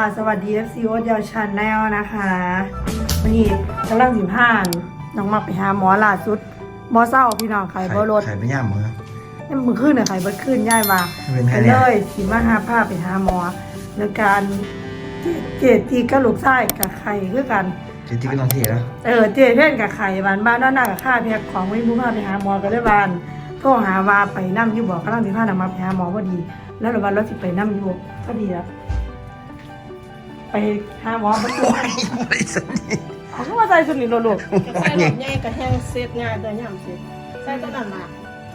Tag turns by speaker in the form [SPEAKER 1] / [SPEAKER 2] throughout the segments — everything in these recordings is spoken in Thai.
[SPEAKER 1] สวัสดี FC โอ๊ตยาวชันแนลนะคะวันนี้กำลัง15น้องมาไปหาหมอล่าสุดหมอเศร้าพี่น้องไข่บ่รถ
[SPEAKER 2] ไข่ไม่ย่ำเหรอ
[SPEAKER 1] นี่มึงขึ้นเนี่ยไข่เบิดขึ้นย่ายมาไปเลยสิมาหาผ้าไปหาหมอแล้วการเจตีกระลูกไส้กับไข่คือกัน
[SPEAKER 2] เจตีก็ต้องเทแล้ว
[SPEAKER 1] เจเพ่นกับไข่บ้านด้านหน้ากับข้าเพียกของไม่รู้ผ้าไปหาหมอก็ได้บ้านโทรหาว่าไปนั่งอยู่บอกกำลัง15นำมาไปหาหมอพอดีแล้วระวันรถสิไปนั่งอยู่พอดีแล้วไปหาหมอมาดูเขาก็มาใส่สุดหลีโลก
[SPEAKER 3] ใส่หลอดใหญ่กับแห้งเซตงานตัวย่ำเซตใส่ต้นหมาก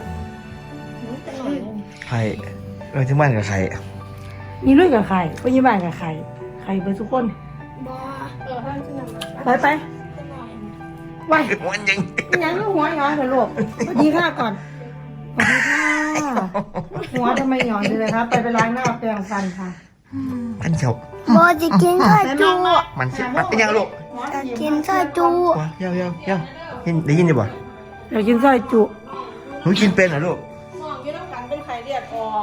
[SPEAKER 2] ไข่ที่บ้านกับไข่
[SPEAKER 1] มีลูกกับไข่ก็ยี่บ้านกับไข่ไข่เป็นทุกคนไปไปไป
[SPEAKER 2] วัน
[SPEAKER 1] ยังหัวย้อนเลยลูกสวัสดีค่ะก่อนสวัสดีค่ะหัวทำไมย้อนเลยครับไปล้างหน้าแปรงฟันค่ะ
[SPEAKER 2] มันเฉา
[SPEAKER 4] โบจะกินซอยจู
[SPEAKER 2] มันเฉาเป็นยังลูก
[SPEAKER 4] จะกินซอยจู
[SPEAKER 2] เย้ได้ยินดิบ่
[SPEAKER 1] เดี๋ยวกินซอยจุ
[SPEAKER 2] หนูกินเป็นเหรอลูก
[SPEAKER 3] มองยืดต้องการเป็นไข่เลือดออก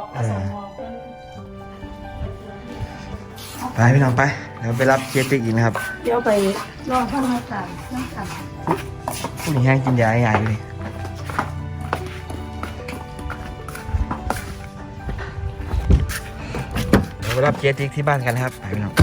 [SPEAKER 2] ไปพี่น้องไปเดี๋ยวไปรับเจติกอีกนะครับ
[SPEAKER 1] เดี๋ยวไปรอข้าวมาสั่งน้ำกัน
[SPEAKER 2] ผู้หญิงแห้งกินยาใหญ่เลยไปรับเจติกที่บ้านกันนะครับไปพี่น้อง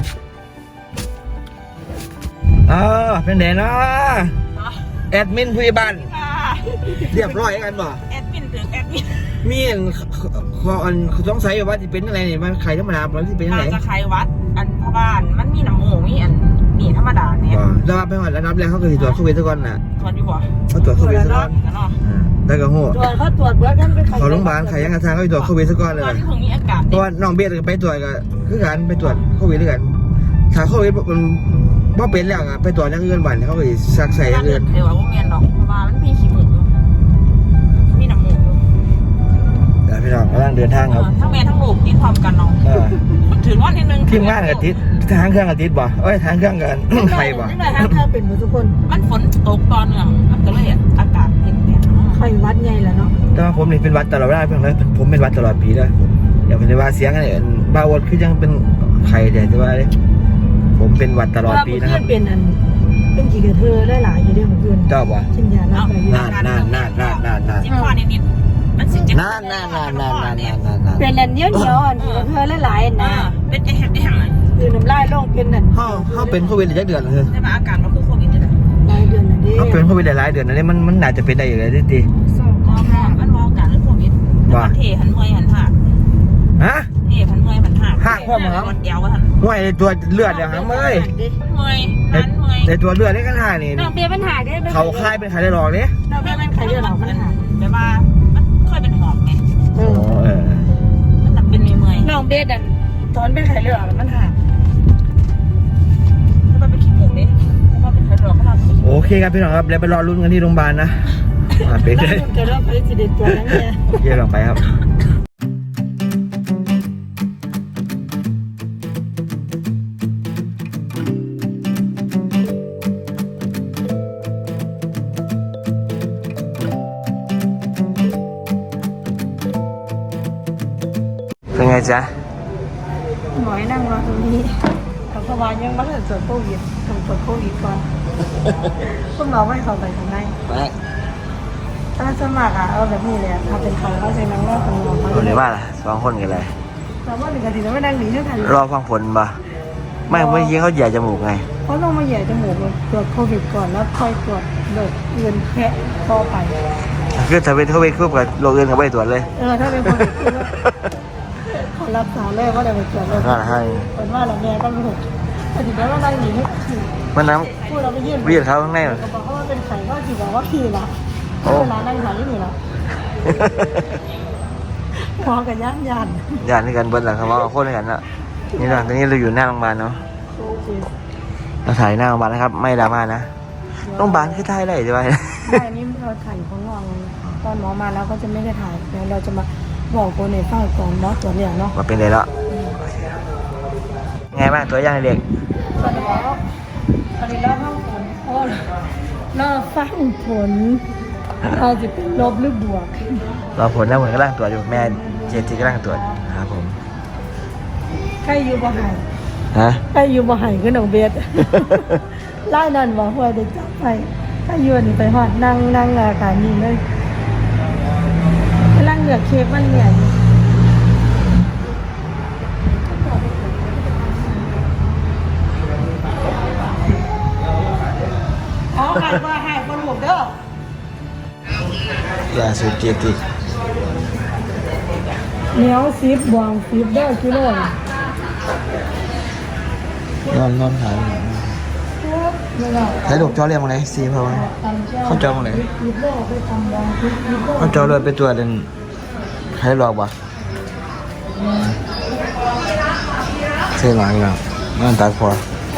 [SPEAKER 2] เป็นไหนนะแอดมินผู้ใหญ่บ้านเรียบร้อยกันบ่
[SPEAKER 3] แอดมินถึงแอดมิน
[SPEAKER 2] มีต้องใส่ว่าจะเป็นอะไรเนี่ยมันไข่ธรรมดามันจะเป็นอะไร
[SPEAKER 3] จะไข่วัดอันพบ้านมันมีน้ำหมูมีอันมีธรรมดาเนี่ย
[SPEAKER 2] แล้วไปหอดแล้วนับแล้วเขาเคยตรวจโควิดทุกคนน่ะ
[SPEAKER 3] ตรวจอยู่บ่
[SPEAKER 2] เขาตรวจโควิดทุกคนได้กระหัว
[SPEAKER 1] เขาตรวจเบื้องต้นเป็น
[SPEAKER 2] เขาโรงพยาบาลไข่ยังกระทางเขาตรวจโควิดทุกคนเลยเพราะว่าน้องเบียร์ไปตรวจกันคือการไปตรวจโควิดด้วยกันถ้าโควิดมันว่าเป็นแล้วไปตรวจยังเงินวันเขาไปซักใส่ยังเงิน
[SPEAKER 3] เดี๋ยวว่าเมียนดอกเพราะว่ามันมีขี้หมูมีน้ำหมู
[SPEAKER 2] แต่พี่น้องกำลังเดินทางครับ
[SPEAKER 3] ทั้งแม่ทั้งลูกติดพร้อมกันน้องถือว่านิดนึง
[SPEAKER 2] ทีมงานกับติดทางเครื่องกับติดบ่ทางเครื่องกันใครบ่
[SPEAKER 1] ทางเครื่องเป็นหมดทุกคน
[SPEAKER 3] มันฝนตกตอนเนื่องมันก็เลยอากาศเย็น
[SPEAKER 1] ไข่วัดไงล่ะเนาะ
[SPEAKER 2] แต่ว่าผมนี่เป็นวัดตลอดเวลาเพื่อนเลยผมเป็นวัดตลอดปีเลยอย่าเป็นว่าเสียงอะไรบ้าวดคือยังเป็นไข่เดี๋ยวจะว่าผมเป็นวัดตลอดปีนะครับ
[SPEAKER 1] เป็นกี่กระเทอได้หลายอยู่ด้วยของเพื่อน
[SPEAKER 2] เจ้าบ่
[SPEAKER 1] ชินยาลับไป
[SPEAKER 2] นาน
[SPEAKER 3] จิ้มคอนิดมันสิ
[SPEAKER 2] นาน
[SPEAKER 1] เป็นอันเยอะๆอันกระเทอหลายๆนะ
[SPEAKER 3] เป็นแห้ง
[SPEAKER 1] คือน้ำลายลงเป็นนั่น
[SPEAKER 2] เขาเป็นโควิดหลายเดือนเลย
[SPEAKER 3] แต่ว่าอากาศมันคือโควิดเลย
[SPEAKER 1] หลายเดือนนะดิ
[SPEAKER 2] เขาเป็นโควิดหลายเดือนนะนี่มันน่าจะเป็นได้อยู่เลยดิ
[SPEAKER 3] มันมองกันเรื่องโควิดว่าเทหันเมยหันหักเทหันเมยหันหัก
[SPEAKER 2] หักพ่อมั้ง
[SPEAKER 3] เดียวว่าทัน
[SPEAKER 2] ห่วยตัวเลือดอย่างนั้นเมยในตัวเลือดนี่กันหายนี่
[SPEAKER 1] น้องเบี้ยมันหายได้
[SPEAKER 2] เขาคลายเป็นไข่ได้หลอกเนี่ย
[SPEAKER 1] น้องเบี้ยเป็นไข่ได้หลอกมันหาย
[SPEAKER 3] แต่ว่ามันค่อยเป็นหอบไงมันจะเป็นเมย
[SPEAKER 1] น้องเบี้ยดันตอนเป็นไข่เลือดมันหาย
[SPEAKER 3] แล้วมันเป็นขี้หมูเนี่ยเพราะว่าเป็นไข่เลือดเขาทำ
[SPEAKER 2] โอเคครับพี่น้องครับเดี๋ยวไปรอลุ้นกันที่โรงพยาบาลนะเป็นเลย
[SPEAKER 1] เกิดเรื่องไปสิเด็ดตัวนั่นเนี่ย
[SPEAKER 2] เยี่ยมลงไปครับเป็นไงจ๊ะ
[SPEAKER 1] หมอให้นั่งรอตรงนี้ทำสบายยังไม่ได้ตรวจโควิดทำตรวจโควิดก่อนคุณหมอไม่เข้าไปทำไมถ้าสมัครเอาแบบนี้เลยถ้าเป็นเขาเขาใช้นั่งรอคนหมอมา
[SPEAKER 2] หรือว่าล่ะสองคนกันเลย
[SPEAKER 1] แต่ว่าหนึ่งนาทีแล้วไม่นั่งหนีเท่าไหร่
[SPEAKER 2] รอฟังผลป่ะไม่เมื่อกี้เขาแย่จมูกไง
[SPEAKER 1] เขาลงมาแย่จมูกตรวจโควิดก่อนแล้วค่อยตรวจโรคอื่นแค่ต่อไป
[SPEAKER 2] คือถ้าเป็นโควิดคู่กับโรคอื่นเขาไม่ตรวจเลย
[SPEAKER 1] ถ้าเป็นโควิดเขารักษาเลยว่าจะไปตรวจโรคเป็นว่าเราแม่ก็ไม่ถูกแต่ถึงแม้ว่านั่งหนีไม่ถูก
[SPEAKER 2] มันน้ำ
[SPEAKER 1] พูดเราไปยื่น
[SPEAKER 2] เขาข้างใน
[SPEAKER 1] เขาบอกเขาว่าเป็นไข่ก็จีบอกว่าพี่ละเวลานั่งถ่ายนี่ละพอกับย่าน
[SPEAKER 2] นี่กันเบิ้ลหลังเขาว่าโคตรกันอ่ะนี่นะตอนนี้เราอยู่หน้าโรงพยาบาลเนาะเราถ่ายหน้าโรงพยาบาลนะครับไม่ดราม่านะโรงพยาบาลคือถ่ายอะไรใช่ไหม
[SPEAKER 1] ไม่นี่เราถ่ายอยู่ข้างนอกตอนหมอมาแล้วก็จะไม่ได้ถ่ายแล้วเราจะมาบอกคนในฝ้าก่อนเนาะตัวเนี้ยเนาะ
[SPEAKER 2] มาเป็นเลยแล้วไงบ้างตัวอย่างเด็ก
[SPEAKER 1] ตอนนี้แล้วห้องผลโอ้ยรอฟังผลอาจจะเป็นลบหรือบวก
[SPEAKER 2] รอผลแล้วเหมือนกำลังตรวจอยู่แม่เจติกำลังตรวจครับผม
[SPEAKER 1] ใครอยู่บ้าน
[SPEAKER 2] ฮะ
[SPEAKER 1] ไอ้อยู่บ่ให้ก็น้องเบส ไล่นั่นบ่หัวได้จับไปถ้าอยู่นี่ไปฮอดนั่งอาการนี้เลยกำลังเหลือเค้กมันเนี่ยเอาให้ว่าให้คนหมดเด้อ
[SPEAKER 2] ล่าสุดเกียรติ
[SPEAKER 1] เหนียว10บวง10เด้อกิโล
[SPEAKER 2] นอนหายใช้ลูกจอเรียงมาไหน4เพราะว่าเขาจอมาไหนเขาจอเลยไปตัวจเป็นให้หลอกบ่เสียหลังแล้วนตาคอ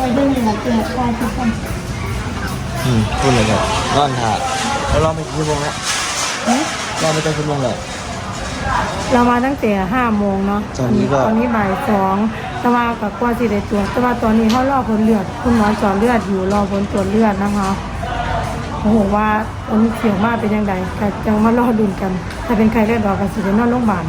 [SPEAKER 2] พูดเลยครับนอนหาแล้วรอไปกี่โมงแล้วรอไปตั้งกี่โมงแล้ว
[SPEAKER 1] เรามาตั้งแต่5 โมงเนาะ
[SPEAKER 2] ตอนนี้
[SPEAKER 1] บ่าย 2แต่ว่ากับกว่าสิได้ตรวจแต่ว่าตอนนี้เขารอผลเลือดคุณหมอเจาะเลือดอยู่รอผลตรวจเลือดนะคะโอ้โหว่าผลเสียงมากเป็นยังไงก็จังมารอดุนกันถ้าเป็นใครได้ดอกก็สิได้นอนโรงพยาบาล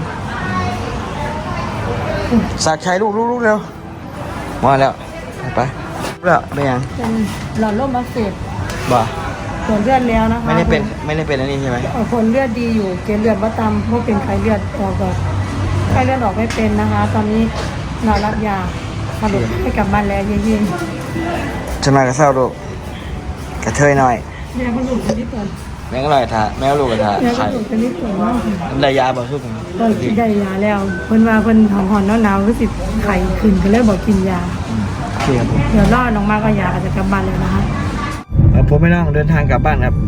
[SPEAKER 2] สักชัยลูกเร็วมาแล้วไปแล้วไม่ยัง
[SPEAKER 1] เป็นหลอดลมอักเสบ
[SPEAKER 2] บ่
[SPEAKER 1] ตรวจเลือดแล้วนะคะ
[SPEAKER 2] ไม่ได้เป็นอันนี้ใช่ไหม
[SPEAKER 1] ผลเลือดดีอยู่เกล็ดเลือดว่าต่ำเพราะเป็นไข้เลือดออกก่อนไข้เลือดออกไม่เป็นนะคะ ตอนนี้นอนรับยาสรุปให้กลับบ้านแล้วเย็น
[SPEAKER 2] จะมากระเซ้าลูกกระเทยหน่อย
[SPEAKER 1] ๆแม่ก็อยู่ที่นี่ก่อน
[SPEAKER 2] แม่ก็ลอยท่าแม่ก็ลูกกระทา
[SPEAKER 1] แม่ก็
[SPEAKER 2] ไข่
[SPEAKER 1] อยู่ที่นี่ก่อนเนาะ
[SPEAKER 2] ได้ยาบ่สู้กัน
[SPEAKER 1] ก็ได้ยาแล้วเพิ่นว่าเพิ่นหอนๆหนาวๆรู้สึกไข้ขึ้นก็เลยบอกกินยา
[SPEAKER 2] โอเคครับผม
[SPEAKER 1] เดี๋ยวรอน้องมาก็ยาก็จะกลับบ้านแล้วนะคะ
[SPEAKER 2] ผมไม่ต้องเดินทางกลับบ้านครับ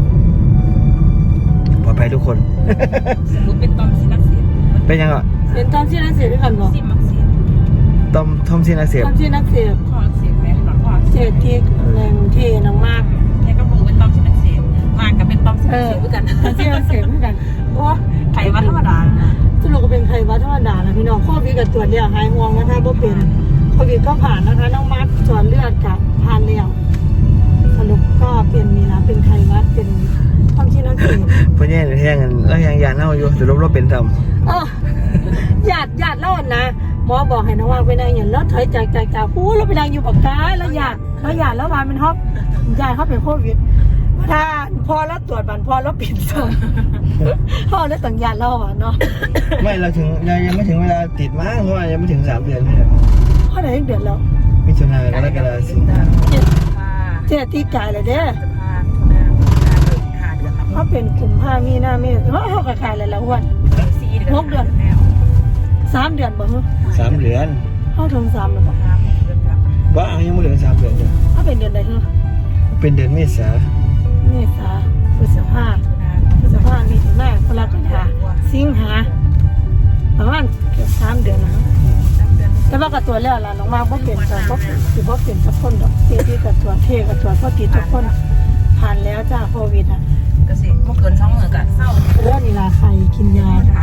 [SPEAKER 2] ปลอดภัยทุกคน
[SPEAKER 3] สมมติเป็นตอมซินักเสีย
[SPEAKER 2] เป็นยังอ่ะ
[SPEAKER 1] เป็นตอนที่นักเสียด้วยกันบ่
[SPEAKER 3] ซิมักเสีย
[SPEAKER 2] ทอมซีนาเสียบ
[SPEAKER 1] ตอนที่นักเสีย
[SPEAKER 3] ข้อเสียแม่หลอดข้อ
[SPEAKER 1] เสียที่แรงที่น้องมาก
[SPEAKER 3] แค่ก็รู้เป็นตอมซินักเสียมากกับเป็นตอมซินักเสียด้วยกัน
[SPEAKER 1] ตอนที่นักเสียด้วยกัน
[SPEAKER 3] โอ้ไข่วัดธรรมดา
[SPEAKER 1] สรุปก็เป็นไข้หวัดธรรมดานะพี่น้องโควิดกับตรวจแล้วหายห่วงนะคะบ่เป็นโควิดก็ผ่านนะคะน้องมัดตรวจเลือดกับผ่านแล้วสรุปก็เป็นนี่นะเป็นไข้หวัดเป็นท้องที่นักเสีย
[SPEAKER 2] เพื่อนแย่งแย่งกันแล้วยังยานเน่าอยู่แต่ลบเป็นท
[SPEAKER 1] เออหยาดเล่านะหมอบอกให้น้องว่าไปนั่งอย่างรถถอยจากหูเราไปนั่งอยู่ปากกาแล้วหยาดแล้ววานเป็นฮอกหยาดเขาเป็นโควิดถ้าพอแล้วตรวจบันพอแล้วปิดส่งพ่อแล้วต่างหยาดเล่าอ่ะเนาะ
[SPEAKER 2] ำไม่เราถึงยังไม่ถึงเวลาติดมากเพราะว่ายังไม่ถึง3 เดือนเลย
[SPEAKER 1] พ่อไหนเดือดแล้ว
[SPEAKER 2] มิถุนายนกรกฎาคมสิงหา
[SPEAKER 1] เจ๊ตีกายเลยเด้อ
[SPEAKER 3] จะพาทุนาหาเดือนละ
[SPEAKER 1] เขาเป็นกลุ่มผ้ามีหน้าเมฆเขากระขายเลยละวัน
[SPEAKER 3] 4 เดือน
[SPEAKER 1] 3 เดือนบ่ฮะ
[SPEAKER 2] 3 เดือน
[SPEAKER 1] เขาถึง3แล้วบ่
[SPEAKER 3] 5 เดือนครับ
[SPEAKER 2] ว่ายังไม่ถึง3 เดือนเลย
[SPEAKER 1] เขาเป็นเดือนใดฮะ
[SPEAKER 2] เป็นเดือนเมษา
[SPEAKER 1] เมษาพฤษภามีถึงหน้ากรกฎาสิงหาประมาณเกือบ3 เดือนนะแต่ว่ากับตัวแล้วล่ะน้องมาบ่เปลี่ยนกันบ่สิบ่เปลี่ยนสักคนดอกเที่กับตัวเทกับตัวพอติดทุกคนผ่านแล้วจ้าโควิดอ่ะ
[SPEAKER 3] ก็สิบ่เกิน2 มื้อก็เศร้า
[SPEAKER 1] แล้วนี่ล่ะใครกินยาค่ะ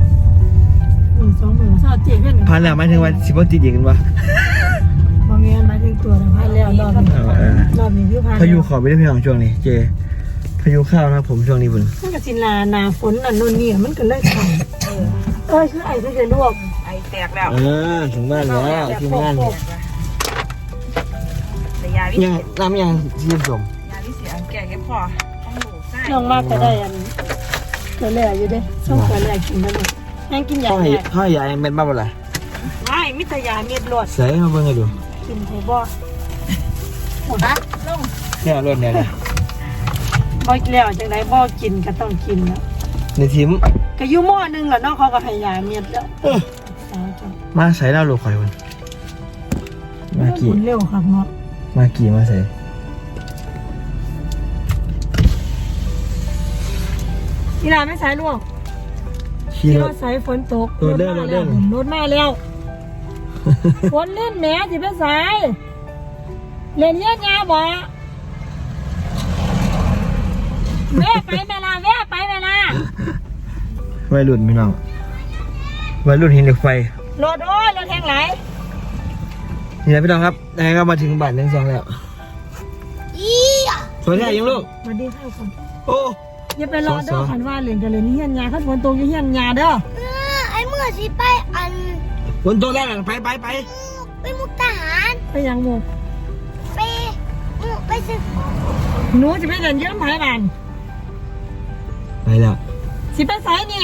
[SPEAKER 1] 2 มื้อเศร้าเจ็บเพิ่น
[SPEAKER 2] ผ่านแล้วหมายถึงว่าสิบ่ติดอีกกันวะ
[SPEAKER 1] บ่แม่นหมายถึงตัวนะผ่านแล้วรอบนี้คือผ่าน
[SPEAKER 2] พายุขอไปได้พี่น้องช่วงนี้เจพายุเข้าวนะครับผมช่วงนี้บุญ
[SPEAKER 1] มันก็สิหนาฝนน่ะโน่นนี่มันก็เลยขังคือไอ้ที่จะลวก
[SPEAKER 3] ไอแตกแล้ว
[SPEAKER 2] ถึงบ้านแล้วทีมงาน
[SPEAKER 3] แต่ยาวิ
[SPEAKER 2] ยังน้ำยังที่ผสม
[SPEAKER 3] ยาวิเศษอันแก่แค่พอต้องหนูใส่
[SPEAKER 1] น้องมากก็ได้อันเกลือแร่อยู่เด้ช่องเกลือแร่กินได้หมดยังกินยา
[SPEAKER 2] ข้าว
[SPEAKER 1] แม่
[SPEAKER 2] ข้าวยายเม็ดบ้าบ่ล่ะ
[SPEAKER 1] ไม่มิตรยาเม็ดรวด
[SPEAKER 2] ใส่มาเบิ่งกันดู
[SPEAKER 1] กินไทบ่หมดนะลง
[SPEAKER 2] เนี่ยรถเนี่ยนะ
[SPEAKER 1] บ่แล้วจังไดบ่กินก็ต้องกินแล้ว
[SPEAKER 2] ในทีม
[SPEAKER 1] ก็อยู่หม้อนึงล่ะน้องเขาก็ให้ยาเม็ดแล้ว
[SPEAKER 2] มาใส่ดาวลูกข่อยมันมากี่
[SPEAKER 1] เร็วครับเนาะ
[SPEAKER 2] มากี่มาใส่
[SPEAKER 1] นี่ล่ะไม่สายลวก
[SPEAKER 2] ขี่
[SPEAKER 1] ที่
[SPEAKER 2] ร
[SPEAKER 1] ร
[SPEAKER 2] ถ
[SPEAKER 1] ถสายฝนตก
[SPEAKER 2] รถเด้อ
[SPEAKER 1] รถมาแล้วฝนเล่นแหนสิไปสายเล่นเลี้ยงยาบ่แม่ไปเวลาแม่ไปเวลา
[SPEAKER 2] วัยรุ่นพี่น้องวัยรุ่นหินเหล็กไฟ
[SPEAKER 1] รถโอ้ยรถแทงไหล
[SPEAKER 2] นี่นะพี่น้องครับยังก็มาถึงบ้านทั้งสองแล้ว
[SPEAKER 4] อีอ่ะ
[SPEAKER 2] สวัสดียังลูก
[SPEAKER 1] สวัสดีค่ะคุณ
[SPEAKER 2] โอ้
[SPEAKER 1] อย่าไปรอเด้อขันว่าเล่นกันเลยนี่เฮียนยาขันฝนตกอยู่เฮียนยาเด้อ
[SPEAKER 4] ไอ้เมื่อสิไปอัน
[SPEAKER 2] บนโต๊ะแล้วไป
[SPEAKER 4] กไปมุกทหาร
[SPEAKER 1] ไปยังหมู่
[SPEAKER 4] ไปซื้อของ
[SPEAKER 1] หนูจะไปเดินเยี่ยมไผ่บ้าน
[SPEAKER 2] ไปแล้ว
[SPEAKER 1] สิไปไสนี่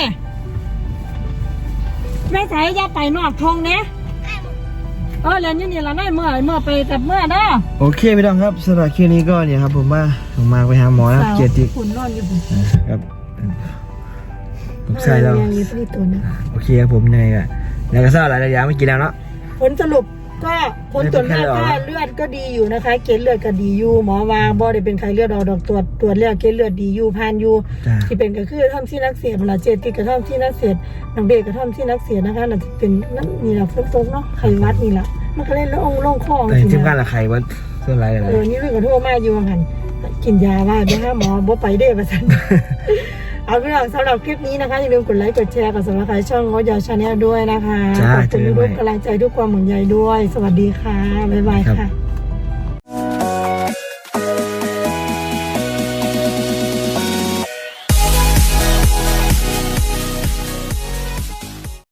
[SPEAKER 1] ไปไสอย่าไปนอกทงเนี่ยเรียนอยู่นี่ละได้เมื่อไปแต่เมื่อเด้อ
[SPEAKER 2] โอเคพี่น้องครับสำหรับคลิปนี้ก็เนี่ยครับผมมาไปหาหมอนะเกียรติ
[SPEAKER 1] คุณนอนอยู่
[SPEAKER 2] ครับผมใส่แล้ว
[SPEAKER 1] ยังมีผลิตตัวนะ
[SPEAKER 2] โอเคครับผมในอะแล้วก็ทราบหลายอย่างไม่กินแล้วเนาะ
[SPEAKER 1] ผลสรุปก็ผลตรวจเลือดค่าเลือดก็ดีอยู่นะคะเกล็ดเลือดก็ดีอยู่หมอวางบ่ได้เป็นไข้เลือดออกดอกตรวจเลือดเกล็ดเลือดดีอยู่ผ่านอยู่
[SPEAKER 2] จ้า
[SPEAKER 1] ที่เป็นก็คือท่อมที่นักเสียดเวลาเจติกระท่อมที่นักเสียดน้องเบกกระท่อมที่นักเสียดนะคะน่าจะเป็นนั่นนี่แหละฝนตกเนาะไข้หวัดนี่แหละมันก็เล่นแล้วองค์ลงคอ
[SPEAKER 2] แต่ทีมงานละใครว่าเรื่องอะไรอะไร
[SPEAKER 1] นี่เรื่องกระโทษมากอยู่หันกินยาว่านะคะหมอบ่ไปได้ประสัน เอาพี่น้องสำหรับคลิปนี้นะคะอย่าลืมกดไลค์กดแชร์กดซับสไครต์ช่องงดยาชาแนลด้วยนะคะขอบคุณทุกกำลังใจทุกความห่วงใยด้วย สวัสดีค่ะบ๊ายบายค่ะ